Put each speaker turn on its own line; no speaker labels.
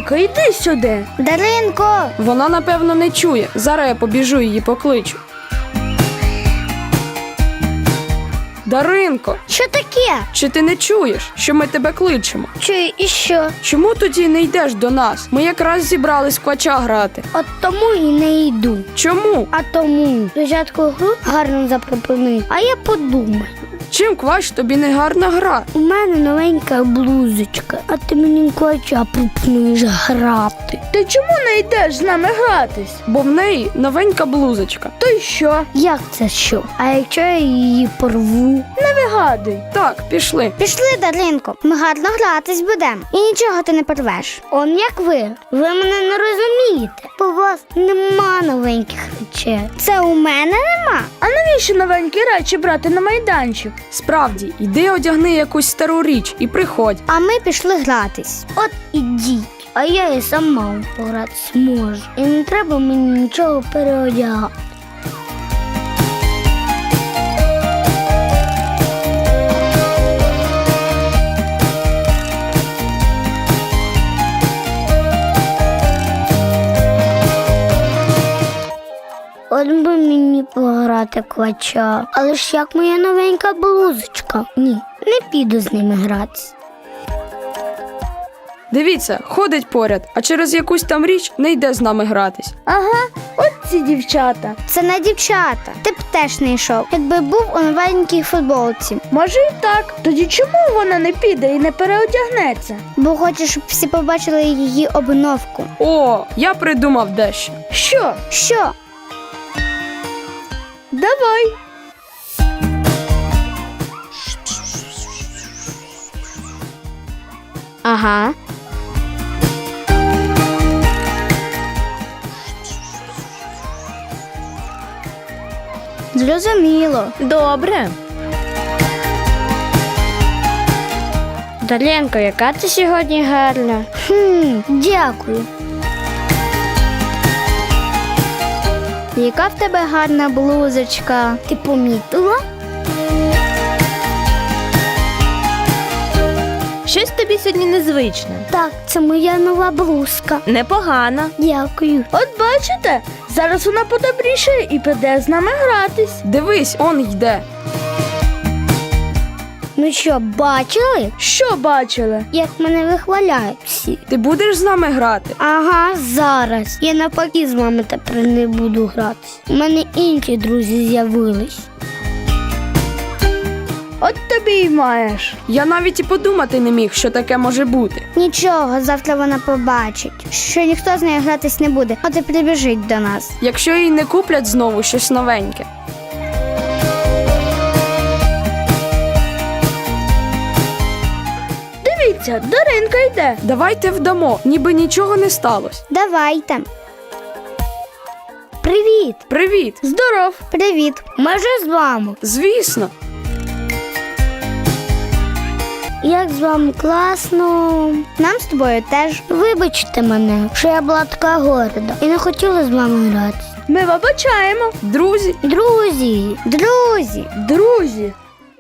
Даринко, йди сюди.
Даринко!
Вона, напевно, не чує. Зараз я побіжу її покличу. Даринко,
Що таке?
чи ти не чуєш, що ми тебе кличемо?
Чую, і що?
Чому тоді не йдеш до нас? Ми якраз зібрались в квача грати.
От тому і не йду.
Чому?
А тому спочатку гру гарно запропонують, а я подумаю.
Чим квач тобі не гарна гра?
У мене новенька блузочка, а ти мені квача пропонуєш грати.
Ти чому не йдеш з нами гратись?
Бо в неї новенька блузочка.
То й що?
Як це що? А якщо я її порву?
Не вигадуй.
Так, пішли.
Пішли, Даринко, ми гарно гратись будемо. І нічого ти не порвеш. Он як ви. Ви мене не розумієте. Бо у вас нема новеньких речей. Це у мене нема.
А навіщо новенькі речі брати на майданчик?
Справді, йди одягни якусь стару річ і приходь.
А ми пішли гратись. От ідіть. А я і сама погратись можу. І не треба мені нічого переодягати. От би мені пограти квача. Але ж як моя новенька блузочка? Ні, не піду з ними гратись.
Дивіться, ходить поряд, а через якусь там річ не йде з нами гратись.
Ага, от ці дівчата.
Це не дівчата. Ти б теж не йшов, якби був у новенькій футболці.
Може і так. Тоді чому вона не піде і не переодягнеться?
Бо хочеш, щоб всі побачили її обновку.
О, я придумав дещо.
Що?
Що?
Давай.
Ага. Зрозуміло.
Добре.
Дар'янко, яка ти сьогодні гарна. Дякую. Яка в тебе гарна блузочка? Ти помітила?
Щось тобі сьогодні незвичне.
Так, це моя нова блузка.
Непогано.
Дякую.
От бачите, зараз вона подобрішає і піде з нами гратись.
Дивись, он йде.
Ну що, бачили?
Що бачили?
Як мене вихваляють всі.
Ти будеш з нами грати?
Ага, зараз. Я навпаки з вами тепер не буду гратись. У мене інші друзі з'явились.
От тобі й маєш.
Я навіть і подумати не міг, що таке може бути.
Нічого, завтра вона побачить, що ніхто з нею гратись не буде, от і прибіжить до нас.
Якщо їй не куплять знову щось новеньке.
Дивіться, Даринка йде.
Давайте вдамо, ніби нічого не сталося.
Давайте. Привіт!
Привіт!
Здоров.
Привіт! Ми вже з вами.
Звісно.
Як з вами класно. Нам з тобою теж. Вибачте мене, що я була така горда і не хотіла з вами гратися.
Ми вибачаємо.
Друзі,
Друзі! Друзі!
Друзі.